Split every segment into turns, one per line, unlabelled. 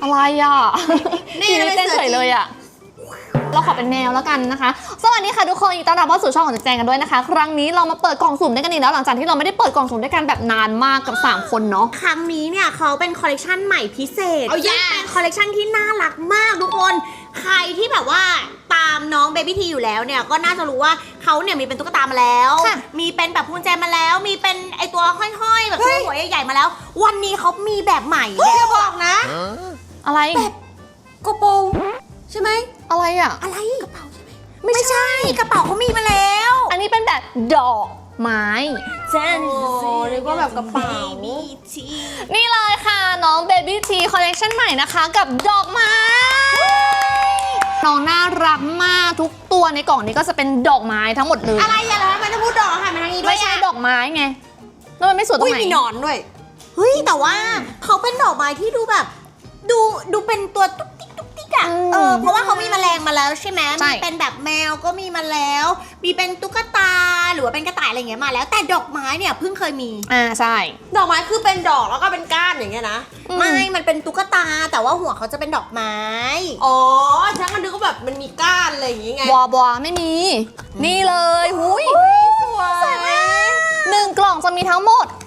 อะไรอ่ะนี่เต้นเฉยเลยอ่ะเราขอเป็นแมวแล้วกันนะคะสวัสดีค่ะทุกคนยินดีต้อนรับเข้าสู่ช่องของแจงกันด้วยนะคะครั้งนี้เรามาเปิดกล่องสุ่มด้วยกันอีกแล้วหลังจากที่เราไม่ได้เปิดกล่องสุ่มด้วยกันแบบนานมากกับ3คนเนาะ
ครั้งนี้เนี่ยเขาเป็นคอลเลกชันใหม่พิเศษเป็นคอลเลกชันที่น่ารักมากทุกคนใครที่แบบว่าตามน้องเบบี้ทีอยู่แล้วเนี่ยก็น่าจะรู้ว่าเขาเนี่ยมีเป็นตุ๊กตามาแล้วมีเป็นแบบพวงแจมาแล้วมีเป็นไอตัวห้อยๆแบบหัวใหญ่ๆมาแล้ววันนี้เขามีแบบใหม่อย่าบอกนะ
อะไร
แบบกระโปรงใช่ไหม
อะไรอ่ะ
อะไรกระเป๋าใช่ไหมไม่ใช่กระเป๋าเขามีมาแล้ว
อันนี้เป็นแบบดอกไม้
เจนเรียกว่าแบบกระเป๋า
นี่เลยค่ะน้องเบบี้ทีคอลเลกชันใหม่นะคะกับดอกไม้น้องน่ารักมากทุกตัวในกล่องนี้ก็จะเป็นดอกไม้ทั้งหมดเลย
อะไรอย่าแล้วมันจะพูดดอกค่ะมันทางนี้ด้วย
ไม่ใช่ดอกไม้ไงแล้วมันไม่สวยตรงไหน
มีหนอนด้วยเฮ้ยแต่ว่าเขาเป็นดอกไม้ที่ดูแบบดูเป็นตัวตุ๊กติ๊กตุ๊กติ๊กอะเพราะว่าเขามีแมลงมาแล้วใช่ไหมมีเป็นแบบแมวก็มีมาแล้วมีเป็นตุ๊กตาหรือว่าเป็นกระต่ายอะไรอย่างเงี้ยมาแล้วแต่ดอกไม้เนี่ยเพิ่งเคยมี
ใช่
ดอกไม้คือเป็นดอกแล้วก็เป็นก้านอย่างเงี้ยนะไม่มันเป็นตุ๊กตาแต่ว่าหัวเขาจะเป็นดอกไม้
อ๋อฉันก็นึกว่าแบบมันมีก้านอะไรอย่างงี้ไง
บัวไม่มีนี่เลยหุย
สวยมาก
1 กล่องจะมีทั้งหมด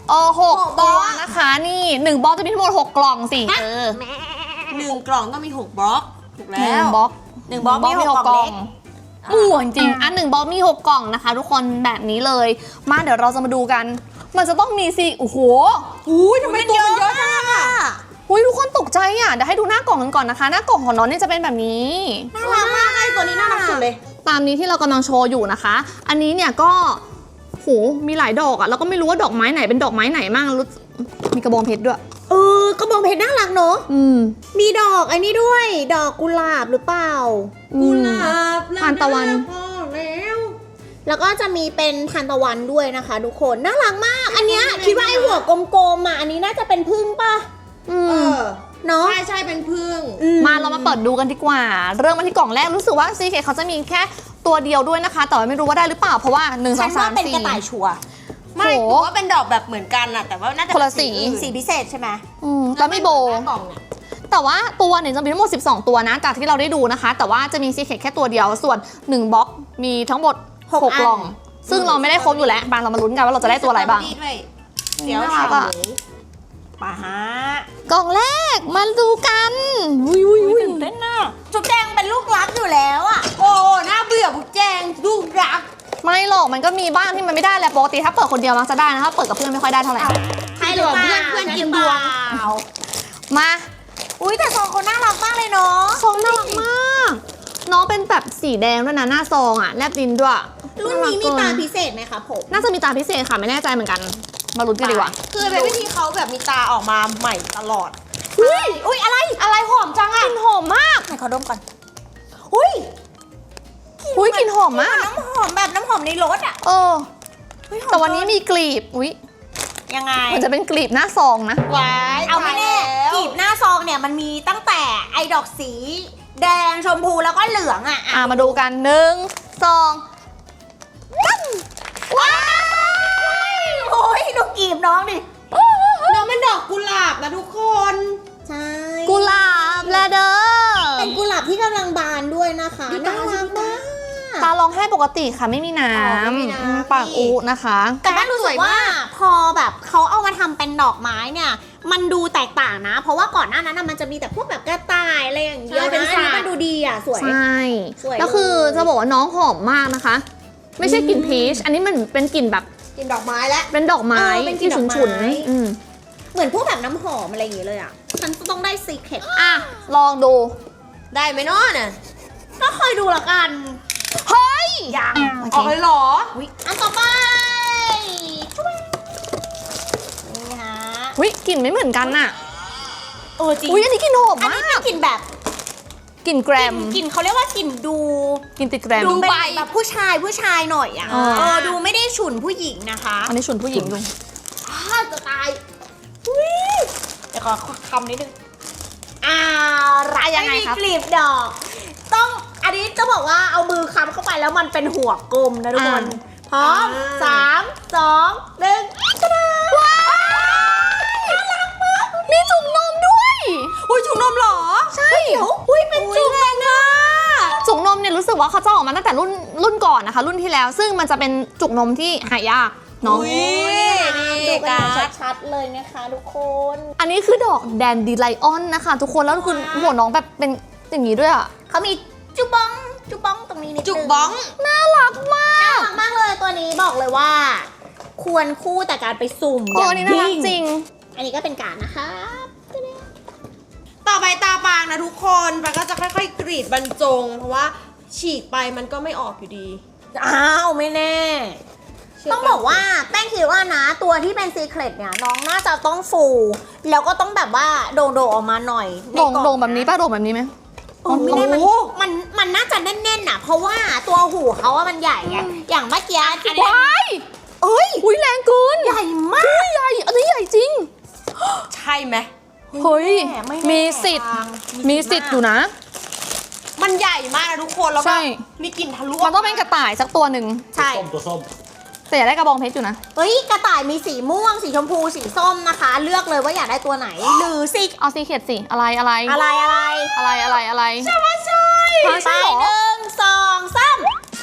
6ตัวนะคะนี่1บล็อกจะมีทั้งหมด6 กล่องสิ
1 กล่องต้องมี6 บล็อกถูกแล้ว
1 บล็อก
1 บล็อกมี6 กล่อง
จริง1 บล็อกมี6 กล่องนะคะทุกคนแบบนี้เลยมาเดี๋ยวเราจะมาดูกันมันจะต้องมีสิโอ้โห
ทำไมตัวมันเยอะจังอะ
ทุกคนตกใจอ่ะเดี๋ยวให้ดูหน้ากล่องกันก่อนนะคะหน้ากล่องของน้องนี่จะเป็นแบบนี้
น่ารักมากไอตัวนี้น่ารักสุดเลย
ตามนี้ที่เรากำลังโชว์อยู่นะคะอันนี้เนี่ยก็มีหลายดอกอ่ะแล้วก็ไม่รู้ว่าดอกไม้ไหนเป็นดอกไม้ไหนมั่งมีกระบองเพชรด้วย
กระบองเพชรน่ารักเนอะมีดอกไอ้นี่ด้วยดอกกุหลาบหรือเปล่า
กุหลาบ
ทานตะวัน
แล้วก็จะมีเป็นทานตะวันด้วยนะคะทุกคนน่ารักมากอันเนี้ยคิดว่าไอหัวกลมๆอ่ะอันนี้น่าจะเป็นผึ้งป่ะเนาะ
ใช่เป็นผึ้ง
มาเรามาเปิดดูกันดีกว่าเริ่มมาที่กล่องแรกรู้สึกว่าซีเคเขาจะมีแค่ตัวเดียวด้วยนะคะแต่ไม่รู้ว่าได้หรือเปล่าเพราะว่า1 2 3 4
เป็นกระต่ายชัว
ไม่ถือว่าเป็นดอกแบบเหมือนกันอะแต่ว่าน่าจะ
คนละสี
พิเศษใช่ไหม
แล้วไม่โบแต่ว่าตัวเนี่ยจะมีทั้งหมด12 ตัวนะจากที่เราได้ดูนะคะแต่ว่าจะมีซีเคแค่ตัวเดียวส่วน1 บล็อกมีทั้งหมด6 กล่องซึ่งเราไม่ได้ครบอยู่แล้วบางเรามาลุ้นกันว่าเราจะได้ตัวอะไรบ้าง
เดี๋ยวฉ่ำมาฮะ
กล่องแรกมาดูกัน
ตื่นเต้นน่ะจุ๊บแจงเป็นลูกรักอยู่แล้วอ่ะ
โอ้น่าเบื่อจุ๊บแจงลูกรัก
ไม่หรอกมันก็มีบ้างที่มันไม่ได้แหละปกติถ้าเปิดคนเดียวมักจะได้นะถ้าเปิดกับเพื่อนไม่ค่อยได้เท่าไหร่
ให้หรือเปล่า
เพื่อนกินดวง
มา
แต่ซองเขาน่ารักมากเลยเนาะ
ซองน่ารักมากน้องเป็นแบบสีแดงด้วยนะหน้าซองอ่ะแลบลิ้นด้วย
รุ่นนี้มีตาพิเศษไหมคะผม
น่าจะมีตาพิเศษค่ะไม่แน่ใจเหมือนกันมาลุ้นกันดีกว่า
คือเป็นวิธีเขาแบบมีตาออกมาใหม่ตลอด
อุ้ยอะไรหอมจังอ่ะ
กลิ่นหอมมาก
ไหนขอดมก่อน
กลิ่นหอมมาก
น้ำหอมแบบน้ำหอมในรถอ่ะ
แต่วันนี้มีกลีบ
ยังไง
มันจะเป็นกลีบหน้าซองนะ
เอาไม่แน่กลีบหน้าซองเนี่ยมันมีตั้งแต่ไอ้ดอกสีแดงชมพูแล้วก็เหลืองอ่ะ
มาดูกัน1 2
ว้ายดูกลีบน้องดิ
น้องเป็นดอกกุหลาบนะทุกคน
ใช่
กุหลาบแลเดอร์
เป็นกุหลาบที่กำลังบานด้วยนะคะน่ารักมาก
ตาร้องไห้ปกติค่ะไม่มีน้ำปากอุนะคะ
แต่บ้านรู้สึกว่าพอแบบเขาเอามาทำเป็นดอกไม้เนี่ยมันดูแตกต่างนะเพราะว่าก่อนหน้านั้นมันจะมีแต่พวกแบบกระต่ายอะไรอย่างเงี้ยเป็นสีมันดูดีอ่ะสวย
ใช่แล้วคือจะบอกว่าน้องหอมมากนะคะไม่ใช่กลิ่นพีชอันนี้มันเป็นกลิ่นแบบ
กลิ่นดอกไม้แล้ว
เป็นดอกไม้ที่ฉุนๆ
เหมือนพวกแบบน้ำหอมอะไรอย่างเงี้ยเลยอ่ะฉันต้องได้ซีเคร็ต
ลองดู
ได้ไหมเนาะเนี่ย
ก็คอยดูละกัน
เฮ้ย
ยัง
ออกเลยหรอ
อันต่อไปนี่ฮะ
กลิ่นไม่เหมือนกันน่ะ
จริง
อันนี้กลิ่นหอมมาก
อันนี้เป็นกลิ่นแบบ
กลิ่นแกรม
กลิ่นเขาเรียกว่ากลิ่น
กลิ่นติดแกรม
ดูเป็นแบบผู้ชายหน่อยอ่ะดูไม่ได้ฉุนผู้หญิงนะคะ
อันนี้ฉุนผู้หญิงดู
จะตายเดี๋ยวขอคำนิดนึงอะไรยังไงครับกลีบดอกต้องอันนี้จะบอกว่าเอามือค้ำเข้าไปแล้วมันเป็นหัวกลมนะทุกคนพร้อม3 2 1
ว้าวน่ารักมากมีจุ่มนมด้วย
จุ่มนมเหรอ
กว่าเขาจะออกมาตั้งแต่รุ่นก่อนนะคะ รุ่นที่แล้วซึ่งมันจะเป็นจุกนมที่หายากเนาะ
อุ๊ย
ดูกัน
การ์ด
ชัดๆเลยนะคะทุกคน
อันนี้คือดอกแดนดีไลออนนะคะทุกคนแล้วคือหัวน้องแบบเป็นอย่างนี้ด้วยอะ
เขามีจุบองตรงนี้นิดนึง
จุกบ้อง
น่ารักมาก
น่ารักมากเลยตัวนี้บอกเลยว่า ควรคู่แต่การไปสุ่ม
ตัวนี้น่ารักจริง
อันนี้ก็เป็นการดนะคะ
ต่อไปตาปางนะทุกคนปางก็จะค่อยๆกรีดบรรจง เพราะว่าฉีกไปมันก็ไม่ออกอยู่ดี
อ้าวไม่แน่ ต้องบอกว่าแป้งคิดว่านะตัวที่เป็นซีเครตเนี่ยน้องน่าจะต้องฟูแล้วก็ต้องแบบว่าโด่งๆออกมาหน่อยในกล่อ
โด่งแบบนี้ป่ะโด่งแบบนี้ไหม
โอ้ไม่ได้
โอ้โห
มันน่าจะแน่นๆน่ะเพราะว่าตัวหูเขาอะมันใหญ่ไงอย่างเมื่อกี้ที่
ว้าย
เอ้ย
อุ้ยแรงเกิน
ใหญ่มาก
ใหญ่อันนี้ใหญ่จริง
ใช่ไหม
เฮ้ย
ไม่แน่
มีสิทธิ์ มีสิทธิ์อยู่นะ
มันใหญ่มากนะทุกคนแล้ว
ใช่
ก็มีกลิ่นทะลุ
มันต้องเป็นกระต่ายสักตัวหนึ่ง
ใช่
ตัวส้ม
แต่อยากได้กระบองเพชรอยู่นะ
เฮ้ยกระต่ายมีสีม่วงสีชมพูสีส้มนะคะ เลือกเลยว่าอยากได้ตัวไหนหรือสิ
เอาซีเขียดสิ อะไรอะไร
อะไร
อะไรใช่ไหมใช่
ไป
ใช่เหรอ
1 2 3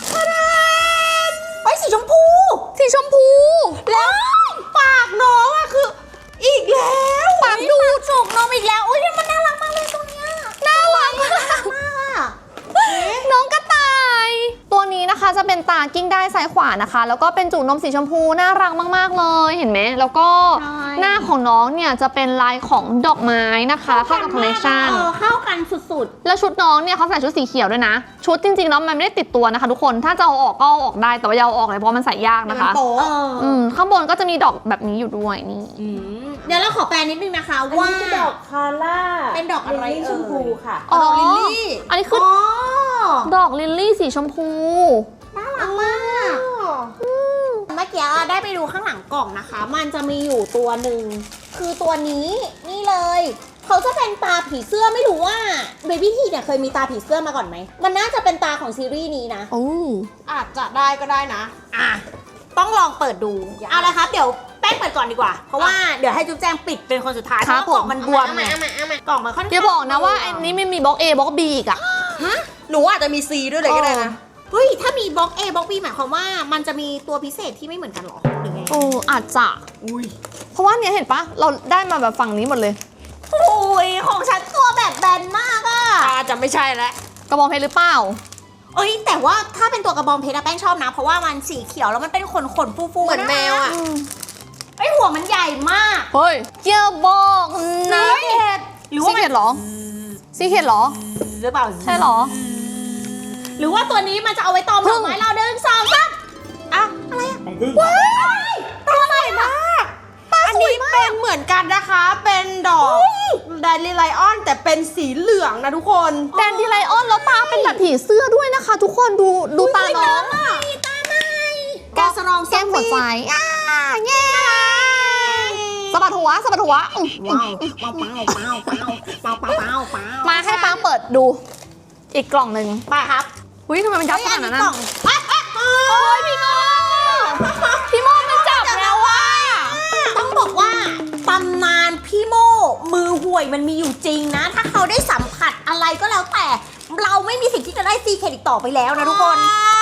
เฮ้ยสีชมพู
สีชมพู
แล้ว
ปากน้องอะคืออีกแล้ว
ปากดูด
จุกนมอีกแล้วอุ้ยมันน่ารักมากเลยตัวเนี้ย
น่ารักมาก
มากอะ
น้องกระต่าย ตัวนี้นะคะจะเป็นตากิ้งได้ซ้ายขวานะคะ แล้วก็เป็นจุกนมสีชมพูน่ารักมากๆเลยเห็นไหมแล้วก็หน้าของน้องเนี่ยจะเป็นลายของดอกไม้นะคะเข้ากับคอลเลคชัน
เข้ากันสุด
แล้วชุดน้องเนี่ยเขาใส่ชุดสีเขียวด้วยนะ ชุดจริงๆแล้วมันไม่ได้ติดตัวนะคะทุกคนถ้าจะเอาออกก็เอาออกได้แต่ว่าอย่าเอาออกเลยเพราะมันใส่ยาก
มัน
นะคะ
โป๊ะ
ข้างบนก็จะมีดอกแบบนี้อยู่ด้วยนี่
เดี๋ยวเราขอแปลนิดนึงนะคะว่า
ดอกคาร่า
เป็นดอกอะไร
ลิลลี่ชมพูค่ะ
อ๋อ
ดอกลิลลี่
อันนี้คือ
อ๋อ
ดอกลิลลี่สีชมพู
น่ารักมากเมื่อกี้ได้ไปดูข้างหลังกล่องนะคะ มันจะมีอยู่ตัวหนึ่งคือตัวนี้นี่เลย เขาจะเป็นตาผีเสื้อไม่รู้ว่าเบบี้ทีเนี่ยเคยมีตาผีเสื้อมาก่อนไหมมันน่าจะเป็นตาของซีรีส์นี้นะ
โอ้
อาจจะได้ก็ได้นะ
อ่ะต้องลองเปิดดู
อยาก
เอาละครับเดี๋ยวแป้งเปิดก่อนดีกว่า เพราะว่าเดี๋ยวให้จุ๊บแจงปิดเป็นคนสุดท้ายเพราะว่ากล่องมันบวมไงกล่องมันค่อนข้าง
อย่าบอกนะว่าอันนี้ไม่มีบล็อก A บล็อก B อีกอะ
หนูอาจจะมีซีด้วยเลยก็ได้นะ
เฮ้ยถ้ามีบล็อก A บล็อก B หมายความว่ามันจะมีตัวพิเศษที่ไม่เหมือนกันเหรอหรือไง
โอ้อาจจะเพราะว่าเนี่ยเห็นปะเราได้มาแบบฝั่งนี้หมดเลย
โอ้ยของฉันตัวแบบแบนมากอะ
อาจจะไม่ใช่แล้ว
กระบองเพชรหรือเปล่า
เอ้ยแต่ว่าถ้าเป็นตัวกระบองเพชรอะแป้งชอบนะ เพราะว่ามันสีเขียวแล้วมันเป็นขนฟูๆ
เหมือนแมวอะ
ไอยหัวมันใหญ่มาก
เฮ้ยเกี่ยวบอกนะ
หรือ
ซี
ว่า
เขียดเหรอซีเขียดเหรอ
หรือเปล่า
ใช่เหรอ
หรือว่าตัวนี้มันจะเอาไว้ตอมดอกไม้เรา1 2 3อ่ะอะไรอะ
ของพึ่ง
ตัวอะไรมาก
อันนี้เป็นเหมือนกันนะคะ เป็นดอกแดนลิไลออนแต่เป็นสีเหลืองนะทุกคน
แดนดีไลออนแล้วตาเป็นแบบผีเสื้อด้วยนะคะ ทุกคนดูตาน้อง
ตาไหนแกสรอง
แก้มหัวใจแง่สะบัดหัวสะบัดหัว
ว้าวว้าวเปล่าเปล่าเปล่าเปล่าเปล่าเปล่าเปล่า
มาให้ปังเปิดดู อีกกล่องหนึ่ง
ไปครับ
อุ้ยทำไมมันยับขนาดนั้น
กล่
นะ
อง
โอ้ยพี่โมพี่โมมันจับแล้วว่ะ
ต้องบอกว่าตำนานพี่โมมือห่วยมันมีอยู่จริงนะ ถ้าเขาได้สัมผัสอะไรก็แล้วแต่ เราไม่มีสิทธิ์ที่จะได้ซีเครดิตต่อไปแล้วนะทุกคน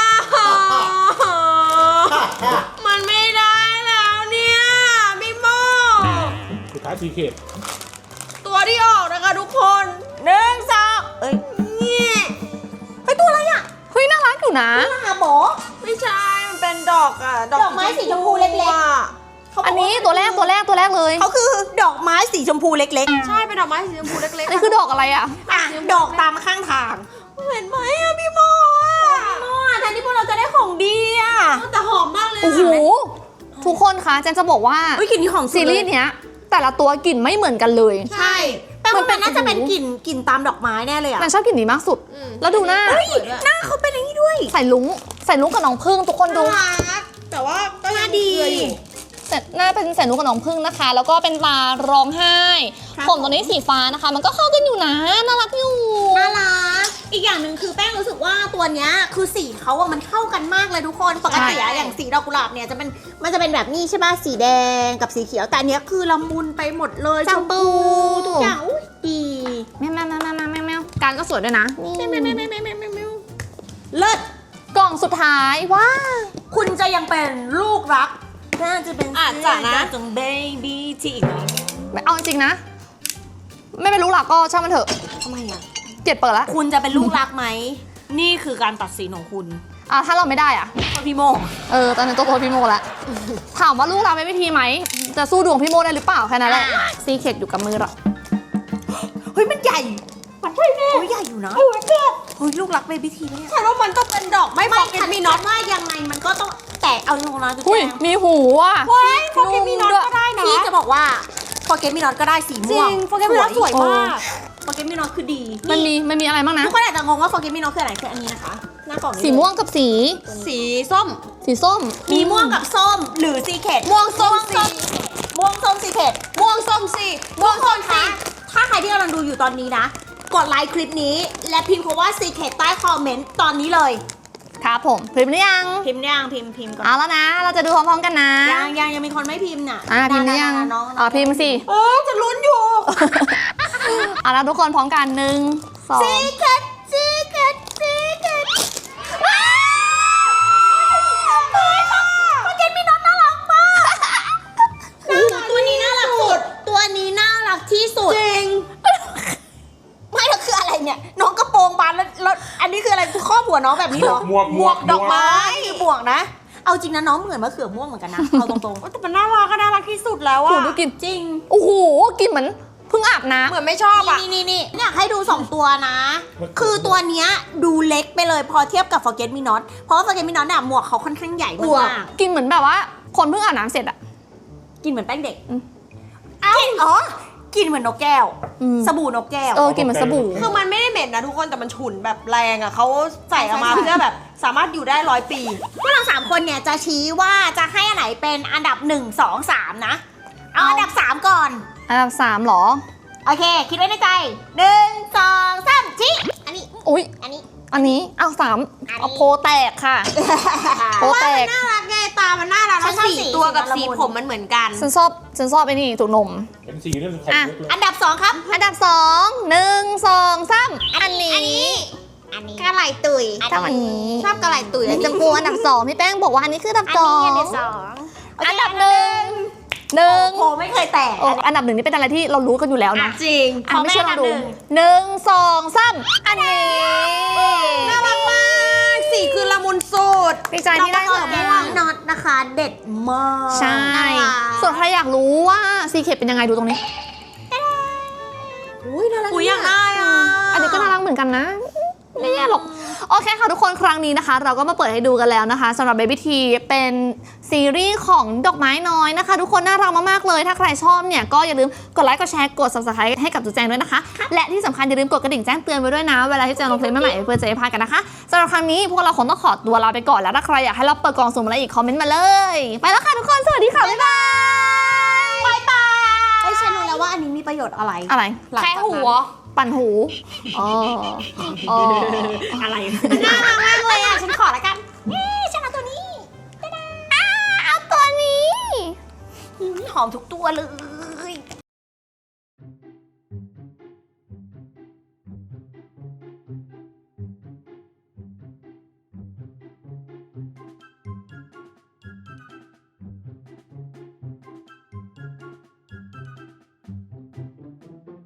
มันไม่ได้แล้วเนี่ยพี่โม
สุดท้ายสีเขต
ตัวที่ออกนะคะทุกคน
1 2เอ้ย
นี่
เฮ้ยตัวอะไรอ่ะ
เฮ้ยน่ารักอยู่นะ
น่ารักบอ
ไม่ใช่ มันเป็นดอกอะ
ดอกไม้สีชมพูเล็กๆ
อะ
อันนี้ตัวแรกเลย
เขาคือดอกไม้สีชมพูเล็ก
ใช่เป็นดอกไม้สีชมพูเล็ก
อันนี้คือดอกอะไรอ่ะ
ๆอ่ะดอกตามข้างทาง
เห็นไหมอะพี่โมอะ
โม่แทนที่พวกเราจะได้ของดีอ่ะ
แต่หอมมากเลย
โอ้โห ทุกคนคะเจนจะบอกว่า
เฮ้ยกลิ่นนี้ของสุด
ซีรีส์เนี้ย แต่ละตัวกลิ่นไม่เหมือนกันเลย
ใช่แต่ว่ามันน่าจะเป็นกลิ่นตามดอกไม้แน่เลยอ่ะ
แต่ชอบกลิ่นนี้มากสุด แล้วดูหน้า
เฮ้ยหน้าเขาเป็นอย่างนี้ด้วย
ใส่ลุ้งกับน้องพึ่งทุกคนดู
น่ารักแต่ว่าก็ยังเกลืออยู่
หน้าเป็นใส่ลุ้งกับน้องพึ่งนะคะ แล้วก็เป็นตาร้องไห้
ครับ
ผมตัวนี้สีฟ้านะคะ มันก็เข้ากันอยู่นะน่ารักอยู่
น่ารัก อีกอย่างหนึ่งคือแป้งรู้สึกว่าตัวเนี้ยคือสีเขาอะมันเข้ากันมากเลยทุกคน ปกติอะอย่างสีดอกกุหลาบเนี่ยมันจะเป็นแบบนี้ใช่ป่ะ สีแดงกับสีเขียว แต่อันเนี้ยคือละมุนไปหมดเลยชมพูทุกอย่างอุ้ยดี
แมวการก็สวยด้วยนะ
แมวเลิศ
กล่องสุดท้ายว้า
คุณจะยังเป็นลูกรักน่าจะเป็น
อาจจะนะ
จงเบบี้ทีอีกไหม
ไม่เอาจริงๆนะ ไม่เป็นรู้หลักก็ช่างมันเถอะ
ทำไมอ่ะ
เกลียดเปิดละ
คุณจะเป็นลูกรักไหม นี่คือการตัดสินของคุณ
ถ้าเราไม่ได้อ่ะ
พี่โม
ตอนนี้ตัวพี่โมละถามว่าลูกเราไม่วิธีไหม จะสู้ดวงพี่โมได้หรือเปล่าแค่นั้นแหละซีเค็ดอยู่กับมือเรา
เฮ้ยมันใหญ่ มันใช่แน่ใหญ่อยู่นะเฮ้ยลูกรักเบบี้ทีเนี่ย
ฉันว่ามันต้องเป็นดอกไม่
ไม่
บอกกิน
ฉัน
มี
มี
น็
น็
อ
อ
ต
ตว่ายังไงมันก็ต้องแต่เอาลงนะจุ๊
อุ้ย
แจง
มีหูอ่ะ
เฮ้ยโปเกมีน็อตก็ได้นะ
พี่จะบอกว่าโปเกมีน็อตก็ได้สี
จริ
ม่วง
งโปเกมีน็อตสวยมาก
โปเกมีน็อตคือดี
มันมีอะไรบ้างนะ
ทุกคนอาจจะงงว่าโปเกมีน็อตคืออะไรคืออันนี้นะคะหน้ากล่องนี้
สีม่วงกับสี
สีส้ม
สีส้ม
มีม่วงกับส้มหรือซีเคด
ม่วงส้มสี
ม่วงส้มซีเคด
ม่วงส้มสีม่วงส้มสี
ถ้าใครที่กำลังดูอยู่ตอนนี้นะ กดไลค์คลิปนี้ และพิมพ์คำว่า Secret ใต้คอมเมนต์ตอนนี้เลย
ครับผมพิมพ์หรือยัง
พิมพ์ยังพิมพ์ก่อน
เอาแล้วนะ เราจะดูพร้อมๆกันนะ
ยังมีคนไม่พิมพ์น่ะ
พิมพ์หรือยัง
น้อง
พิมพ์สิ
จะลุ้นอยู่
เอาแล้วทุกคนพร้อมกัน1 2
Secret Secret Secret โปเกมีน็อตน่ารักมากตัวนี้น่ารักสุด ตัวนี้น่ารักที่สุด
จริง
ไม่แล้วคืออะไรเนี่ย น้องกระโปรงบานแล้วอันนี้คืออะไรคือครอบหัวน้องแบบนี้เหรอ
หมวก
ดอกไม้คือหมวกนะ เอาจริงนะน้องเหมือนมะเขือม่วงเหมือนกันนะ เอาตรง
แต่มันน่ารักก็น่ารักที่สุดแล้ว
โอ้
อะ
โหดูกลิน
ๆ จริง
โอ้โหกลินเหมือนเพิ่งอาบน้
เหมือนไม่ชอบอะ
นี่อยากให้ดู 2 ตัวนะ คือตัวเนี้ยดูเล็กไปเลยพอเทียบกับ Forget Me Not เพราะว่า Forget Me Not เนี่ยหมวกเขาค่อนข้างใหญ่
ำอ้วก
มาก
กินเหมือนแบบว่า คนเพิ่งอาบน้ำเสร็จอะ
ๆกินเหมือนแป้งเด็ก
อืม
เอ้าอ๋อ กินเหมือนนกแก้ว
อืม
สบู่นกแก้ว
กินเหมือนสบู่
คือมันไม่ได้เหม็นนะทุกคนแต่มันฉุนแบบแรงอะเขาใส่ออกมาเพื่อแบบสามารถอยู่ได้100 ปี
พวกเรา3คนเนี่ยจะชี้ว่าจะให้อันไหนเป็นอันดับ 1 2 3 นะ เอาอันดับ 3 ก่อน
อันดับ3หรอ
โอเค คิดไว้ในใจ 1 2 3ชี้อันนี้
อุ้ย
อันนี้
อันนี้เอา3เอาโพแตกค่ะ โพ
ว่า
แต
มัน
ก
น่ารักไงตามันน่ารักแล้ว
ฉันชอบ
สี
สี
ตัวกับ
สี
สี
ละมุน
ผมมันเหมือนกัน
ฉันชอบไอ้นี่จุกนม
เป็นสีเรื่องไข่มุกเลย
อันดับ 2 ครับ
อันดับ2 1 2 3อันนี้
อันนี้กระไหลตุย
ชอบอันนี้
ชอบกระไหล่ตุ๋ย
ชมพูอันดับ2พี่แป้งบอกว่าอันนี้คืออันดับ
อันนี้อันดับ
2
สอง
อันดับ1
โอ้ไม่เคยแตก
อันดับ1นี่เป็นอะไรที่เรารู้กันอยู่แล้วนะ
จริง
ไม่เชื่อลองดู
ขอแม่อันดับ
1 2 3อันนี้
น่ารักมากสีคือละมุนสุด
ดีใจที่ได้
น้องมะเขือม่วงน็อตนะคะ เด็ดมาก
ใช่
น่ารัก
ส่วนใครอยากรู้ว่าซีเคเป็นยังไงดูตรงนี้
อุ้ยน่ารัก
อุ้ยอยากได้อ่ะ
อันนี้ก็น่ารักเหมือนกันนะ ไม่แย่หรอก โอเคค่ะทุกคนครั้งนี้นะคะ เราก็มาเปิดให้ดูกันแล้วนะคะสำหรับ Baby T เป็นซีรีส์ของดอกไม้น้อยนะคะ ทุกคนน่ารักมากๆเลย ถ้าใครชอบเนี่ยก็อย่าลืมกดไลค์กดแชร์กด subscribe ให้กับจุ๊แจงด้วยนะคะ และที่สำคัญอย่าลืมกดกระดิ่งแจ้งเตือนไว้ด้วยนะ เวลาที่จะลงคลิปใหม่ๆเพื่อจะได้พลาดกันนะคะสำหรับครั้งนี้พวกเราคงต้องขอตัวลาไปก่อนแล้วถ้าใครอยากให้เราเปิดกล่องสุ่มอะไรอีกคอมเมนต์มาเลย ไปแล้วค่ะทุกคนสวัสดีค่ะบ๊ายบาย
บายบายเฮ้ยฉันรู้แล้วว่าอันนี้มีประโยชน์อะไร
อะไร
หลัง
แค่
จากนั้น
หัว
ปั่นหูอ๋ออ๋อ
อะไรน่ารักมากเลยอ่ะ ฉันขอละกันฉันเอาตัวนี้
เอาตัวนี้
หอมทุกตัวเลย